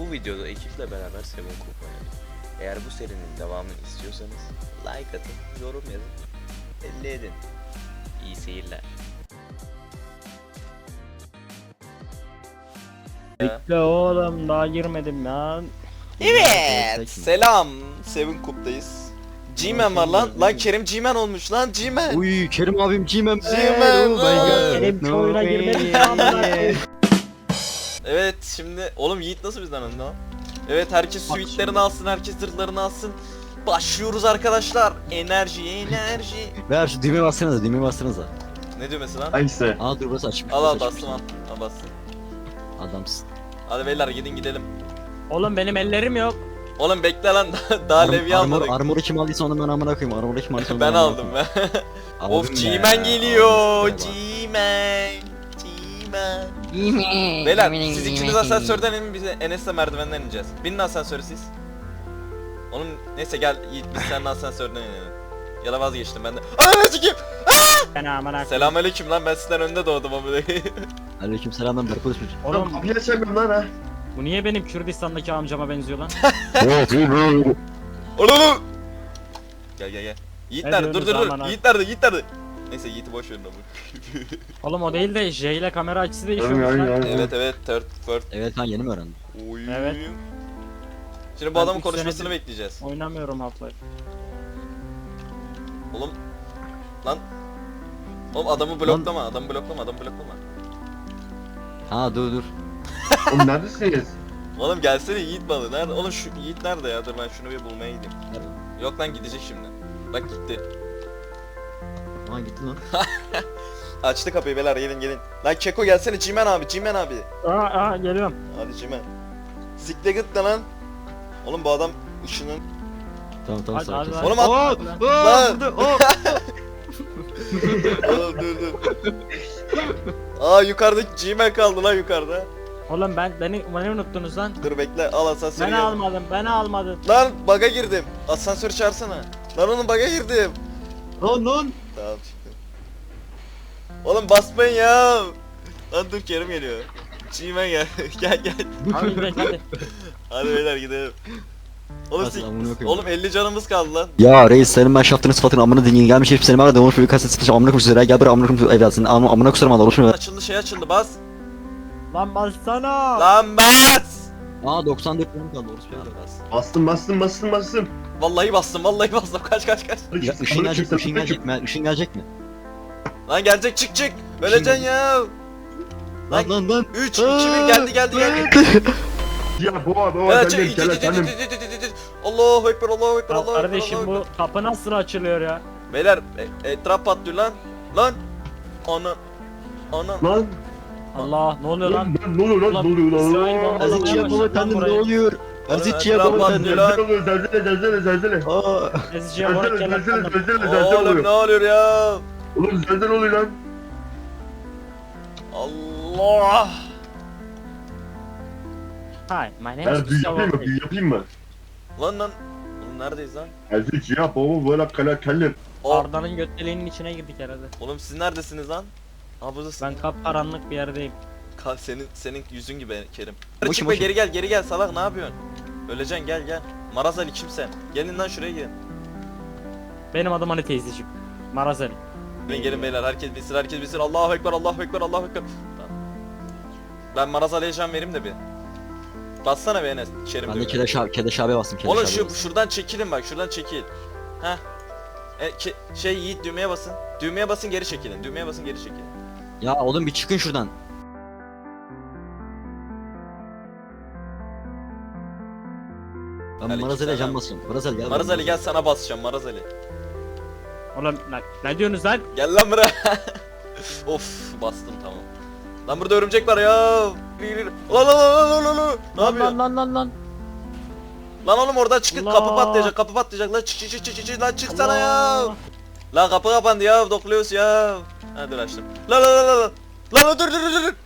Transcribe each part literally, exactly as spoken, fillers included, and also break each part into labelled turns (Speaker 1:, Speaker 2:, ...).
Speaker 1: Bu videoda ekiple beraber Seven Coop oynadık. Eğer bu serinin devamını istiyorsanız like atın, yorum yazın, belli edin. İyi seyirler.
Speaker 2: Bekle oğlum, daha girmedim lan.
Speaker 1: Evet, selam. Seven Coop'tayız. G-Man var lan. Lan Kerim G-Man olmuş lan, G-Man.
Speaker 3: Uy Kerim abim G-Man.
Speaker 1: G-Man.
Speaker 3: Oh my god.
Speaker 2: Kerim şu oyuna girmedi ya, amına koyayım.
Speaker 1: Evet, şimdi oğlum Yiğit nasıl bizden önde lan? Evet, herkes suitlerini alsın, herkes zırhlarını alsın. Başlıyoruz arkadaşlar. Enerji, enerji.
Speaker 3: Ver şu düğmeye bassanıza, düğmeye bassanıza.
Speaker 1: Ne düğmesi lan?
Speaker 4: Hangisi?
Speaker 3: Aa dur burası açmış.
Speaker 1: Al al
Speaker 3: burası açmış.
Speaker 1: bastım al. Al bastım.
Speaker 3: Adamsın.
Speaker 1: Hadi beyler gidin gidelim.
Speaker 2: Oğlum benim ellerim yok.
Speaker 1: Oğlum bekle lan, daha, daha levye
Speaker 3: armor,
Speaker 1: almadık.
Speaker 3: armoru kim aldıysa onu ben amına koyayım. Armoru kim aldıysa onu
Speaker 1: Ben
Speaker 3: amına
Speaker 1: aldım
Speaker 3: koyayım.
Speaker 1: ben.
Speaker 3: Aldın
Speaker 1: Of
Speaker 3: be.
Speaker 1: G-Man geliyor.
Speaker 3: Aldın be.
Speaker 1: G-Man. G-Man. Beyler siz ikiniz asansörden inin, biz Enes'le merdivenden ineceğiz. Binin asansörü siz. Onun neyse gel Yiğit, biz seninle asansörden inelim. Ya da vazgeçtim ben de. Ananı sikeyim.
Speaker 2: Ben amına koyayım.
Speaker 1: Selamünaleyküm lan, ben sizden önde doğdum ama.
Speaker 3: Aleyküm selam ben Berkut Özmür.
Speaker 4: Oğlum
Speaker 2: Oğlum
Speaker 4: kapıyı açamıyorum lan ha.
Speaker 2: bu niye benim Kürdistan'daki amcama benziyor lan?
Speaker 1: Oğlum. Gel gel gel. Yiğit
Speaker 2: Ne
Speaker 1: nerede? Dur dur
Speaker 2: diyorsunuz
Speaker 1: dur.
Speaker 2: aman ha?
Speaker 1: Yiğit nerede? Yiğit nerede? Neyse Yiğit'i boş verin ama.
Speaker 2: Oğlum o değil de J ile kamera açısı
Speaker 4: Ay,
Speaker 2: değişiyormuş
Speaker 4: ay,
Speaker 2: lan.
Speaker 4: ay.
Speaker 1: Evet evet, third first.
Speaker 3: Evet ben yeni mi öğrendim?
Speaker 1: Oy.
Speaker 2: Evet.
Speaker 1: Şimdi bu
Speaker 2: Ben
Speaker 1: adamın
Speaker 2: üç
Speaker 1: konuşmasını
Speaker 2: senedir-
Speaker 1: bekleyeceğiz.
Speaker 2: Oynamıyorum Half-Life.
Speaker 1: Oğlum. Lan. Oğlum adamı bloklama, adamı bloklama, adamı bloklama.
Speaker 3: Ha dur dur.
Speaker 4: Oğlum neredesiniz?
Speaker 1: Oğlum gelsene Yiğit balı. Nerede? Oğlum şu Yiğit nerede ya? Dur ben şunu bir bulmaya gideyim. Yok lan, gidecek şimdi. Bak gitti.
Speaker 3: Aa gitti lan.
Speaker 1: Açtı kapıyı beyler, gelin gelin. Lan Keko gelsene, Cimen abi, Cimen abi.
Speaker 2: Aa aa geliyorum.
Speaker 1: Hadi Cimen. Sikle git de lan. Oğlum bu adam ışının.
Speaker 3: Tamam tamam
Speaker 2: Hadi,
Speaker 3: sakin.
Speaker 2: hadi,
Speaker 3: sakin.
Speaker 1: Oğlum
Speaker 2: hadi.
Speaker 1: at.
Speaker 3: Oo, oo,
Speaker 1: Lan.
Speaker 3: burada, oo.
Speaker 1: Oğlum dur dur. Aa yukarıdaki Cimen kaldı lan yukarıda.
Speaker 2: Oğlum ben beni beni unuttunuz lan.
Speaker 1: Dur bekle, al asansörü
Speaker 2: Ben
Speaker 1: gel.
Speaker 2: almadım, ben almadım.
Speaker 1: Lan baga girdim. Asansör çağırsana. Lan oğlum baga girdim.
Speaker 3: Lan lan.
Speaker 1: Tamam çıktım. Oğlum basmayın ya. Lan dur Kerim geliyor. Cimen gel. gel gel.
Speaker 2: Hadi gidelim hadi.
Speaker 1: Hadi beyler gidelim. Oğlum,
Speaker 3: Nasıl
Speaker 1: sik-
Speaker 3: amına koyayım?
Speaker 1: oğlum elli canımız kaldı lan.
Speaker 3: Ya reis senin ben şaftını sıfatını amına dinleyin gelmiş herif seni bana demoş bir kaset sıkış amına koyayım sizlere gel buraya amına koyayım evlatsın amına amına kusarım Allah oluşmuyor.
Speaker 1: Açıldı şey açıldı, bas.
Speaker 2: Lan bassana.
Speaker 1: Lan bas.
Speaker 3: Aa doksan dört tane kaldı orası
Speaker 1: Lan
Speaker 3: bir
Speaker 1: bas.
Speaker 4: Bastım bastım bastım bastım.
Speaker 1: Vallahi bastım, vallahi bastım. Kaç kaç kaç.
Speaker 3: Ya ışın gelecek mi? Işın gelecek mi? Işın gelecek mi?
Speaker 1: Lan gelecek, çık çık. Öleceksin ya.
Speaker 3: Lan lan lan.
Speaker 1: üç, iki, bir geldi geldi geldi.
Speaker 4: Ya baba baba
Speaker 1: Evet,
Speaker 4: sen
Speaker 1: çık.
Speaker 4: gel efendim.
Speaker 1: Allahu ekber, Allahu ekber,
Speaker 2: Ya
Speaker 1: Allahu ekber.
Speaker 2: kardeşim
Speaker 1: Allahu
Speaker 2: bu
Speaker 1: ekber.
Speaker 2: kapı nasıl açılıyor ya?
Speaker 1: Beyler e- etraf patlıyor lan. Lan. Ana. Ana.
Speaker 4: Lan
Speaker 2: Allah ne oluyor lan?
Speaker 4: lan ne oluyor lan
Speaker 2: Ulan,
Speaker 4: ne oluyor lan?
Speaker 2: İsrail
Speaker 4: Lan,
Speaker 2: bombaları-
Speaker 3: Azizciye baba efendim ne oluyor? Azizciye
Speaker 1: Etraf
Speaker 3: baba
Speaker 1: patlıyor
Speaker 3: efendim.
Speaker 1: lan.
Speaker 4: Zelzele oluyor zelzele zelzele zelzele.
Speaker 3: Aa.
Speaker 2: Eziciye vurup
Speaker 4: Zelzele
Speaker 2: gelen
Speaker 4: zelzele
Speaker 2: adam.
Speaker 4: zelzele zelzele
Speaker 1: Oğlum ne
Speaker 4: oluyor.
Speaker 1: oluyor ya?
Speaker 4: Oğlum zelzele oluyor lan.
Speaker 1: Allah.
Speaker 2: Hi, my name
Speaker 4: Ben
Speaker 2: is
Speaker 4: büyü
Speaker 2: Gustavo.
Speaker 4: yapayım mı? Büyü yapayım mı?
Speaker 1: Lan lan. Oğlum neredeyiz lan?
Speaker 4: Aziz ya baba böyle kala kellim.
Speaker 1: O,
Speaker 2: Arda'nın götleliğinin içine girdik herhalde.
Speaker 1: oğlum siz neredesiniz lan? Ha buradasın.
Speaker 2: Ben kapkaranlık bir yerdeyim.
Speaker 1: Ka- senin senin yüzün gibi Kerim.
Speaker 3: Boşum,
Speaker 1: Çık be,
Speaker 3: boşum.
Speaker 1: geri gel geri gel salak, ne yapıyorsun? Öleceksin, gel gel. Maraz Ali kim sen? Gelin lan şuraya gelin.
Speaker 2: Benim adım Ali teyzeciğim. Marazeli.
Speaker 1: Gelin gelin beyler, herkes bilsin herkes bilsin. Allahu ekber, Allahu ekber, Allahu ekber. Tamam. Ben Maraz Ali'ye can vereyim de bir. Bassana be Enes. Kerim
Speaker 3: Ben de
Speaker 1: diyor.
Speaker 3: Kedeş abi Kedeş abi bastım Kedeş
Speaker 1: Oğlum
Speaker 3: abi
Speaker 1: şu
Speaker 3: bastım.
Speaker 1: şuradan çekilin bak, şuradan çekil. Heh. E, ke- şey Yiğit düğmeye basın. Düğmeye basın, geri çekilin. Düğmeye basın, geri çekilin.
Speaker 3: Ya oğlum bir çıkın şuradan. Ben
Speaker 1: Aleyküm
Speaker 3: Marazeli'ye
Speaker 1: selam.
Speaker 3: can basıyorum. Marazeli gel.
Speaker 1: Maraz Ali gel, sana basacağım Maraz Ali.
Speaker 2: Oğlum ne, ne diyorsunuz lan?
Speaker 1: Gel lan buraya. Of bastım, tamam. Lan burada örümcek var ya. Lan lan lan lan lan lan. Ne
Speaker 2: Lan
Speaker 1: yapıyorsun?
Speaker 2: lan lan lan lan.
Speaker 1: Lan oğlum oradan çıkın,
Speaker 2: Allah.
Speaker 1: kapı patlayacak, kapı patlayacak lan, çık çık çık çık çık lan, çıksana ya.
Speaker 2: Allah.
Speaker 1: Lan kapı kapandı ya, dokluyoruz ya. Ha dur açtım. Lan lan lan lan lan. Lan lan dur dur dur dur.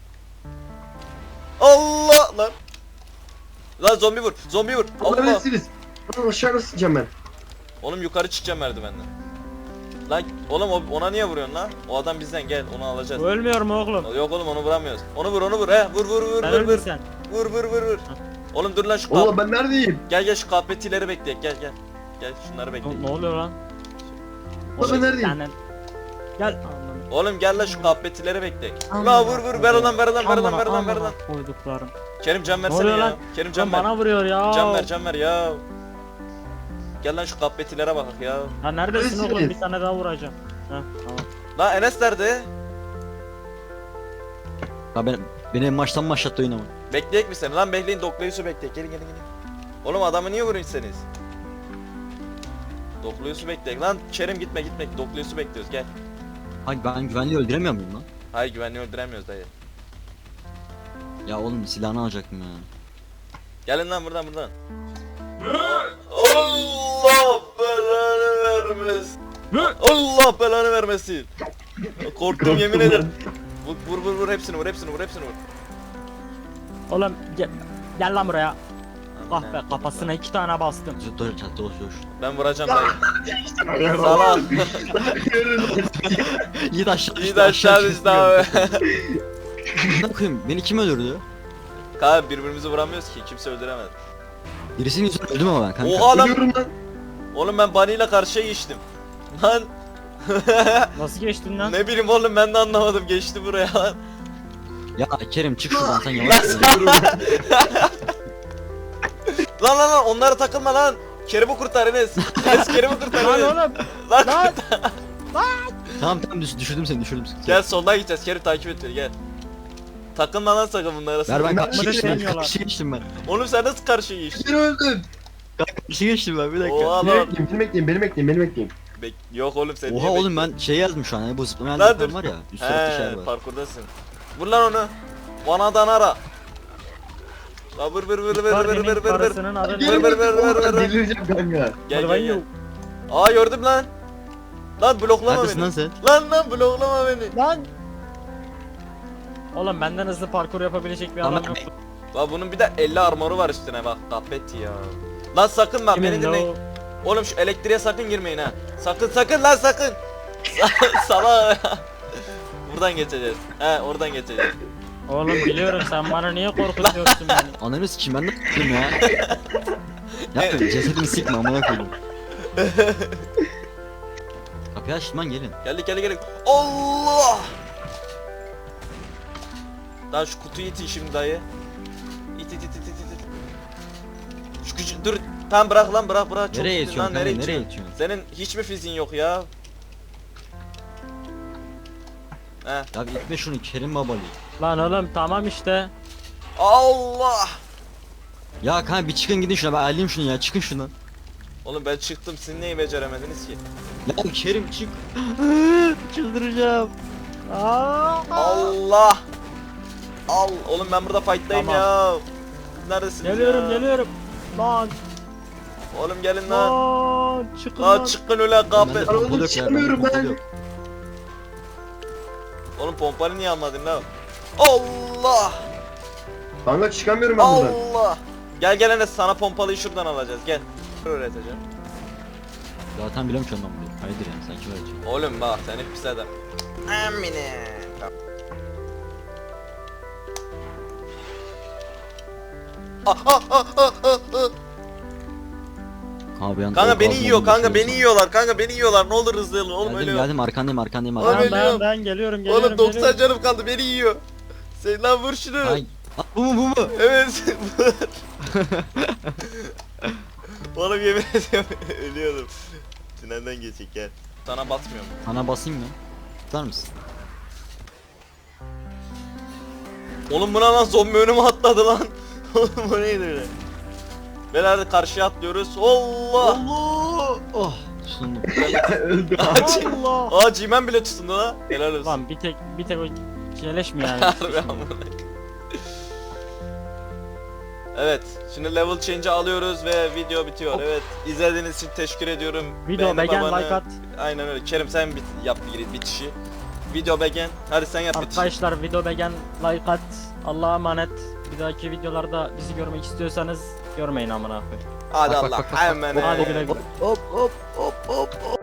Speaker 1: Allah lan. Lan zombi vur, zombi vur.
Speaker 4: Allah
Speaker 1: Allah.
Speaker 4: neredesiniz? Lan aşağı nasıl ineceğim ben?
Speaker 1: Oğlum yukarı çıkacağım merdivenden. Lan oğlum o- ona niye vuruyorsun lan? O adam bizden, gel onu alacağız.
Speaker 2: Ölmüyorum oğlum.
Speaker 1: Yok oğlum onu vuramıyoruz. Onu vur onu vur he. Vur vur vur
Speaker 2: Sen
Speaker 1: vur vur.
Speaker 2: öldün sen.
Speaker 1: Vur vur vur vur. Oğlum dur lan şu
Speaker 4: Oğlum
Speaker 1: kap.
Speaker 4: ben neredeyim?
Speaker 1: Gel gel şu kahpetileri bekle. Gel gel. Gel şunları bekle.
Speaker 2: Ne, ne oluyor lan?
Speaker 4: Oğlum ben neredeyim?
Speaker 2: Yani- Gel. Aman.
Speaker 1: Oğlum gel lan şu kahpetileri bekle.
Speaker 2: Aman
Speaker 1: La vur vur ver lan ver lan ver lan
Speaker 2: Amına,
Speaker 1: ver lan ver
Speaker 2: amına
Speaker 1: lan.
Speaker 2: Koyduklarım.
Speaker 1: Kerim can
Speaker 2: Ne
Speaker 1: versene
Speaker 2: oluyor
Speaker 1: ya.
Speaker 2: lan?
Speaker 1: Kerim can
Speaker 2: Can
Speaker 1: ver.
Speaker 2: bana vuruyor ya.
Speaker 1: Can ver can ver ya. Gel lan şu kahpetilere bak ya.
Speaker 2: Ha neredesin oğlum?
Speaker 4: Neredesiniz?
Speaker 2: Bir tane daha vuracağım. Heh tamam.
Speaker 1: Lan Enes nerede?
Speaker 3: Ya ben beni en baştan mı başlattı oyun ama?
Speaker 1: Bekleyek mi seni? Lan bekleyin Doklayus'u bekleyek. Gelin gelin gelin. Oğlum adamı niye vuruyorsunuz? Doklayus'u bekleyek. Lan Kerim gitme gitme. Doklayus'u bekliyoruz gel.
Speaker 3: Hayır ben güvenliği öldüremiyor muyum lan?
Speaker 1: Hayır güvenliği öldüremiyoruz dayı.
Speaker 3: Ya oğlum silahını alacaktım ya.
Speaker 1: Gelin lan buradan buradan. Allah belanı vermesin. Allah belanı vermesin. Korktum yemin ederim. Vur vur vur vur hepsini vur hepsini vur hepsini vur.
Speaker 2: Oğlum gel, gel lan buraya. Ah
Speaker 1: Aman
Speaker 2: be
Speaker 1: ha.
Speaker 2: kafasına iki tane bastım.
Speaker 3: Dur dur çat dur dur.
Speaker 1: Ben vuracağım dayı.
Speaker 4: Salak.
Speaker 1: Salak.
Speaker 3: Yiğit aşağı
Speaker 1: İyi de aşağı düştü abi.
Speaker 3: Ne koyayım? Beni kim öldürdü?
Speaker 1: Kanka birbirimizi vuramıyoruz ki kimse öldüremez.
Speaker 3: Birisinin yüzünden öldüm ama ben kanka.
Speaker 1: Oha lan.
Speaker 4: Ölüyorum lan.
Speaker 1: Oğlum ben Bunny ile karşıya geçtim. Lan
Speaker 2: Nasıl geçtin lan?
Speaker 1: ne bileyim oğlum ben de anlamadım geçti buraya lan.
Speaker 3: Ya Kerim çık şuradan sen yavaş. yürü.
Speaker 1: Lan lan lan onlara takılma lan. Kerim'i kurtar Enes. Enes Kerim'i kurtar
Speaker 2: Lan
Speaker 1: Enes.
Speaker 2: oğlum.
Speaker 1: Lan.
Speaker 2: Lan.
Speaker 3: Tamam tamam düş, düşürdüm seni düşürdüm seni.
Speaker 1: Gel soldan gideceğiz. Kerim takip et beni gel. Takılma lan sakın bunlara.
Speaker 3: Ver ben
Speaker 4: Ben
Speaker 3: karşıya
Speaker 2: de
Speaker 3: geçtim ben
Speaker 2: demiyorlar.
Speaker 3: karşıya geçtim ben.
Speaker 1: Oğlum sen nasıl karşıya geçtin?
Speaker 4: Beni öldün.
Speaker 3: Karşıya geçtim ben bir dakika.
Speaker 1: Oha
Speaker 4: Beni
Speaker 1: lan.
Speaker 4: bekleyin, beni bekleyin, beni bekleyin, beni bekleyin.
Speaker 1: Bek Yok oğlum sen
Speaker 3: Oha
Speaker 1: niye
Speaker 3: oğlum ben şey yazdım şu an hani bu zıplama
Speaker 1: Lan
Speaker 3: yazdım
Speaker 1: dur.
Speaker 3: var ya. Üst tarafta şey
Speaker 1: He
Speaker 3: var.
Speaker 1: parkurdasın. Vur lan onu. Vanadan ara. La vur vur vur vur vur vur
Speaker 2: Kardeşinin
Speaker 1: vur vur.
Speaker 2: karısının adını.
Speaker 1: Ver, ver, ver, ver, ver, ver.
Speaker 4: Delireceğim kanka.
Speaker 1: Gel
Speaker 2: Hadi
Speaker 1: gel gel.
Speaker 2: yok.
Speaker 1: Aa gördüm lan. Lan bloklama
Speaker 3: Neredesin lan
Speaker 1: beni.
Speaker 3: sen?
Speaker 1: Lan lan bloklama beni.
Speaker 2: Lan. Oğlum benden hızlı parkur yapabilecek bir adam
Speaker 3: Ama-
Speaker 2: yok.
Speaker 1: La bunun bir de elli armoru var üstüne bak kahpet ya. Lan sakın bak beni
Speaker 2: Kimin
Speaker 1: dinleyin.
Speaker 2: lo?
Speaker 1: Oğlum şu elektriğe sakın girmeyin ha. Sakın sakın lan sakın. Sala. Buradan geçeceğiz. He oradan geçeceğiz.
Speaker 2: Oğlum biliyorum sen bana niye korkutuyorsun beni?
Speaker 3: Ananı sikeyim ben de s**tim ya. Yapma cesedimi sikme amına koydum. Kapıyı açtım lan gelin.
Speaker 1: Geldik geldik geldik. Allah. Daha şu kutuyu itin şimdi dayı. İt it it it it it. Şu küçük dur. Tamam bırak lan bırak bırak. Çok
Speaker 3: Nereye
Speaker 1: itin
Speaker 3: itiyorsun
Speaker 1: lan,
Speaker 3: kanka nereye
Speaker 1: itiyorsun?
Speaker 3: itiyorsun?
Speaker 1: Senin hiç mi fiziğin yok ya? He.
Speaker 3: Ya bir itme şunu Kerim babalı.
Speaker 2: Lan oğlum tamam işte.
Speaker 1: Allah.
Speaker 3: Ya kanka bir çıkın gidin şuna ben alayım şunu ya çıkın şundan.
Speaker 1: Oğlum ben çıktım siz neyi beceremediniz ki?
Speaker 3: Ya Kerim çık. Çıldıracağım.
Speaker 2: Aa.
Speaker 1: Allah. Al. Oğlum ben burada fight'tayım
Speaker 2: Tamam.
Speaker 1: ya. Neredesiniz
Speaker 2: Geliyorum
Speaker 1: ya?
Speaker 2: geliyorum. Lan.
Speaker 1: Oğlum gelin lan.
Speaker 2: Lan. Çıkın
Speaker 1: Aa
Speaker 2: lan.
Speaker 1: çıkın öyle kahpe.
Speaker 4: Lan oğlum çıkamıyorum ben.
Speaker 1: Oğlum pompalı niye almadın lan? Allah.
Speaker 4: Kanka çıkamıyorum ben buradan.
Speaker 1: Allah. Gel gel Enes sana pompalıyı şuradan alacağız gel. Öğreteceğim.
Speaker 3: Zaten biliyorum ki ondan bunu. Hayırdır yani sanki öğreteceğim.
Speaker 1: Oğlum bak seni pis eder. Amine. Ah, ah, ah, ah, ah, ah.
Speaker 3: Kanka, bir an-
Speaker 1: Kanka
Speaker 3: o-
Speaker 1: beni
Speaker 3: o-
Speaker 1: yiyor
Speaker 3: o-
Speaker 1: kanka
Speaker 3: o-
Speaker 1: beni yiyorlar kanka beni yiyorlar ne olur hızlı olun oğlum
Speaker 3: Geldim
Speaker 1: ölüyorum.
Speaker 3: geldim arkandayım arkandayım
Speaker 1: Abi,
Speaker 3: arkandayım.
Speaker 2: Ben,
Speaker 1: ölüyorum.
Speaker 2: ben, ben geliyorum geliyorum.
Speaker 1: Oğlum doksan
Speaker 2: geliyorum.
Speaker 1: canım kaldı beni yiyor. Sen lan vur şunu.
Speaker 3: Ay, Aa, bu mu bu mu?
Speaker 1: Evet vur. Oğlum yemin ediyorum ölüyordum. Tünelden geçecek gel. Sana basmıyorum.
Speaker 3: Sana basayım mı? Tutar mısın?
Speaker 1: Oğlum buna lan zombi önüme atladı lan. Oğlum bu neydi öyle? Beyler de karşıya atlıyoruz. Allah.
Speaker 3: Allah! Oh! Tutundum.
Speaker 4: Öldüm.
Speaker 2: Allah.
Speaker 1: Aa Cimen bile tutundu lan. Helal olsun.
Speaker 2: Lan bir tek bir tek o keleş mi yani?
Speaker 1: Harbi amına. Evet, şimdi level change'i alıyoruz ve video bitiyor.
Speaker 2: Hop.
Speaker 1: Evet, izlediğiniz için teşekkür ediyorum.
Speaker 2: Video
Speaker 1: Beğeni
Speaker 2: beğen
Speaker 1: babanı-
Speaker 2: like at.
Speaker 1: Aynen öyle. Kerim sen bit yap bir bitişi. Video beğen. Hadi sen yap bitişi.
Speaker 2: Arkadaşlar video beğen like at. Allah'a emanet. Bir dahaki videolarda bizi görmek istiyorsanız görmeyin amına koyayım.
Speaker 1: Hadi
Speaker 3: Bak, bak,
Speaker 1: Allah.
Speaker 3: bak, bak,
Speaker 1: Hemen.
Speaker 2: Hadi güle güle.
Speaker 3: Hop hop hop hop hop.